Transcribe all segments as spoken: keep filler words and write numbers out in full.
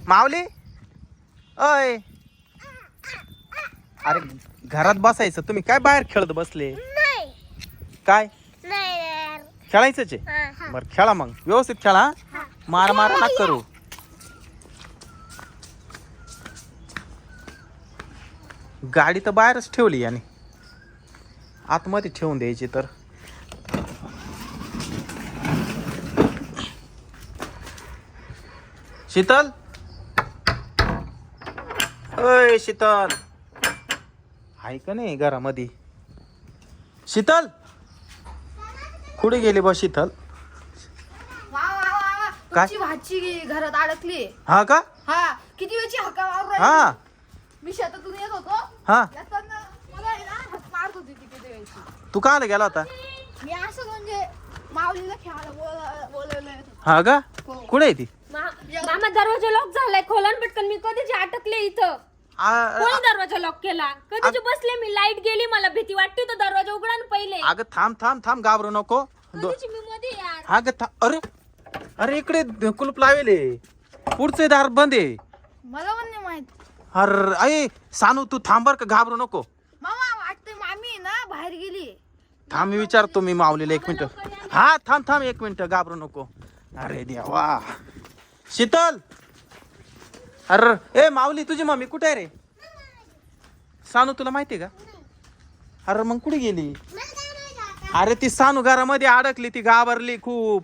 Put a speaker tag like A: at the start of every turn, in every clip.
A: माऊली अय अरे घरात बसायचं तुम्ही काय बाहेर खेळत बसले काय खेळायचंच आहे बर खेळा मग व्यवस्थित खेळा मार मार ना करू गाडी तर बाहेरच ठेवली याने आतमध्ये ठेवून द्यायची तर शीतल अय शीतल आहे का नाही घरामध्ये शीतल कुठे गेली बा शीतल
B: काय भाजी घरात अडकली
A: हा का
B: हा किती वेळची हक्का मारून
A: हा
B: राहिली मी शेतातून येत होतो
A: हा
B: येताना मला आहे ना हात मारत होती ती किती वेळची
A: तू का गेला होता
B: मी असं म्हणजे माऊलीला खेळायला बोल बोलवलं येत होतं.
A: हा का
B: हो.
A: कुठे आहे ती
C: मामा दरवाजा लॉक झालाय खोला पटकन मी कधीची अटकले इथं
A: आ-
C: कोणी दरवाजा लॉक केला कधीची बसले मी लाईट गेली मला भीती वाटते तो दरवाजा उघडा ना पहिले
A: अगं थांब थांब थांब घाबरू नको दो-
C: कधीची मी मध्ये यार
A: हा ग था- अरे अरे इकडे कुलूप लावेले पुढचे दार बंद आहे
B: मला पण नाही माहित
A: अरे अय सानू तू थांबर का घाबरू नको
B: मामा वाटतंय मामी ना बाहेर गेली
A: थांब मी विचारतो मी माऊलीला एक मिनिट हा थांब थांब एक मिनिट घाबरू नको अरे देवा शीतल अरे ए माऊली तुझी मम्मी कुठे आहे रे सानू तुला माहिती आहे का अरे मग कुठे गेली अरे ती सानू घरामध्ये अडकली ती घाबरली खूप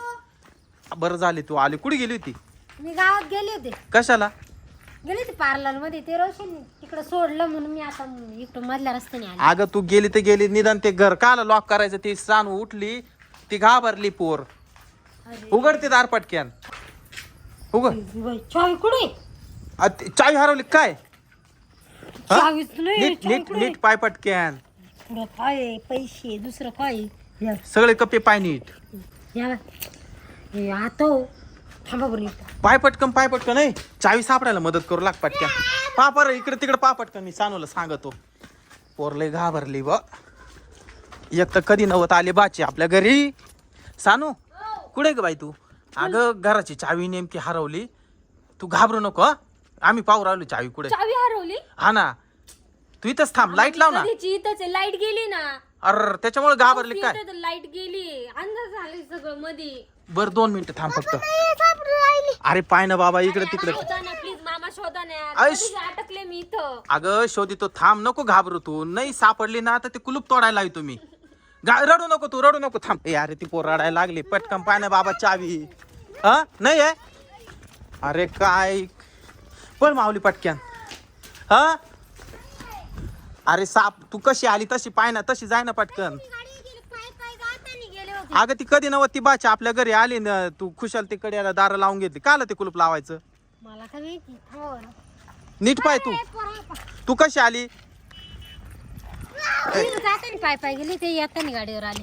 A: बरं झाली तू आली कुठे गेली होती
C: मी गावात गेले होते
A: कशाला
C: गेले होते पार्लर मध्ये ते रोशन तिकडे सोडलं म्हणून मी आता इकडं मधल्या रस्त्याने आले
A: अगं तू गेली तर गेली निदान ते घर काला लॉक करायचं ती सानू उठली ती घाबरली पोर उघड ते दार पटक्यान उघड
C: चावी कुठे
A: आ, ती चावी हरवली काय हा?
C: चावीच नाही
A: नीट नीट नीट पाय पटक्यान
C: पुढं काय पैसे दुसरं काय या
A: सगळे कप्पे पाय नीट
C: या हे आता थांबा बरं इथं.
A: पाय पटकन पाय पटकन नाही चावी सापडायला मदत करू लाग पटक्यान पापर इकडे तिकडे पा पटकन मी सानूला सांगतो पोरले घाबरली ब एक तर कधी नव्हत आले बाची आपल्या घरी सानू कुठे ग बाई तू अगं घराची चावी नेमकी हरवली तू घाबरू नको हं? आम्ही पाहू राहिलो चावी कुठे
C: चावी हरवली
A: हा ना तू इथंच थांब लाईट लाव ना
C: कधीची इथंच लाईट गेली ना
A: अर त्याच्यामुळे घाबरली काय
C: लाईट गेली अंदाज झाले सगळं मध्ये
A: बर दोन मिनिटं थांब फक्त अरे पाय ना बाबा इकडे तिकडे
C: प्लीज मामा शोधा ना यार.
A: आईश.
C: कधीची अटकले मी इथं
A: अगं शोधितो थांब नको घाबरू तू नाही सापडली ना तर ते कुलूप तोडायला हवी तुम्ही गा- रडू नको तू रडू नको थांब ए अरे ती पोर रडायला लागली पटकन पाय ना बाबा चावी हा नाही आहे अरे काय पण माऊली पटक्यान हा अरे साप तू कशी आली तशी पाय ना तशी जाय ना पटकन अगं ती कधी नव्हती ती बाची आपल्या घरी आली ना तू खुशाल तिकडे याला दार लावून घेतली काला ते कुलूप लावायचं
C: मला काय माहिती हो ना.
A: नीट पाय तू तू कशी आली
C: मी जाताना पाय पाय गेली ते येताना गाडीवर आले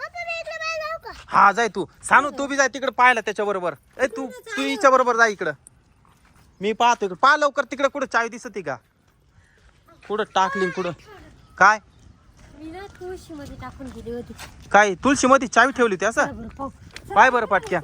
A: हा जाय तू सानू तू बी जाय तिकडे पाहायला त्याच्या बरोबर ए तू तू हिच्या बरोबर जा इकडं मी पाहतो इकडं पहा लवकर तिकडे कुठं चावी दिसती का कुठं टाकली कुठं काय
C: मी ना तुळशी मध्ये टाकून गेली होती
A: काय तुळशी मध्ये चावी ठेवली होती असं
C: बरं पाहू.
A: पाय बरं पाटक्या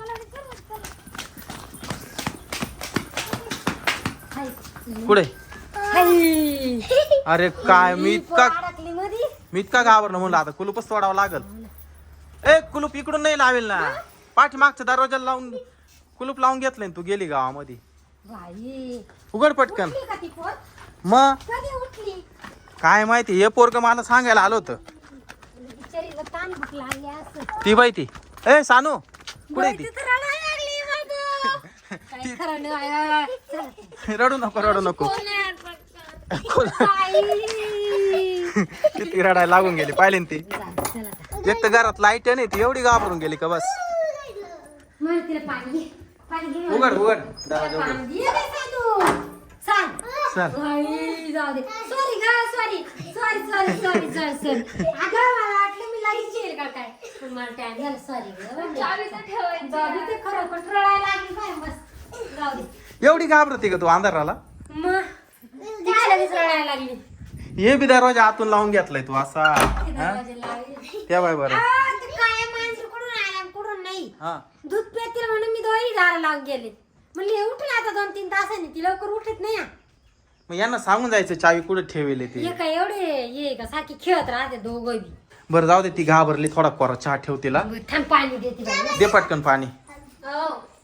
C: हाय.
A: कुठे
C: हाय.
A: अरे काय मी इतका
C: अडकली मध्ये
A: मी इतका घाबरलो म्हणलं आता कुलूपच तोडावं लागल ए कुलूप इकडून नाही लावेल ना पाठीमागच्या दरवाजाला लावून कुलूप लावून घेतलंय तू गेली गावामध्ये
C: बाई
A: उघड पटकन
C: उठली का ती पोर?
A: मग
C: कधी उठली
A: काय माहिती हे पोरग मला सांगायला आलं होतं
C: बिचारीला ताण भूक लागली असं
A: ती बाई ती ए सानू कुठे ती
C: तिथं रडायला लागली बाबा. काय खरं नाही आहे. चला.
A: रडू नको रडू नको
C: कोण आहे आज? बाई.
A: किती रडायला लागून गेली पाहिले ना ती
C: चला, चला.
A: एक तर घरात लाईट नाही ती एवढी घाबरून गेली का बस
C: मला तिला पाणी घे. पाणी घे मला.
A: उघड उघड दरवाजा उघड
C: पाणी घे रे साधू. सांग.
A: चल
C: बाई, जाऊ दे. सॉरी गा sorry sorry sorry sorry sorry sorry अगं मला वाटलं मी लगेच येईल का काय पण मला टाइम झाला सॉरी जाऊ दे ते खरं पण रडायला लागली काय बस जाऊ दे
A: एवढी घाबरते का तू अंधाराला
C: मग तिला लगेच रडायला लागली
A: हे बी दरवाजा आतून लावून घेतलाय तू असा
C: ती
A: हा?
C: दरवाजा लावली.
A: त्या बाय बरं
C: आ, ते काय माणसं कुठून आला कुठून नाही
A: हा
C: दूध पेतील म्हणून मी दोन्ही दार लावून गेले म्हणले उठला आता दोन तीन तासांनी ती लवकर उठत नाही हा.
A: मग यांना सांगून जायचं चावी कुठे ठेवले ते
C: हे काय एवढे ये का सारखी खेळत राहते दोघं बी.
A: बरं जाऊ दे ती घाबरली थोडा कोरा चहा ठेव तिला
C: थांब पाणी देते बाई.
A: दे पटकन पाणी
C: हो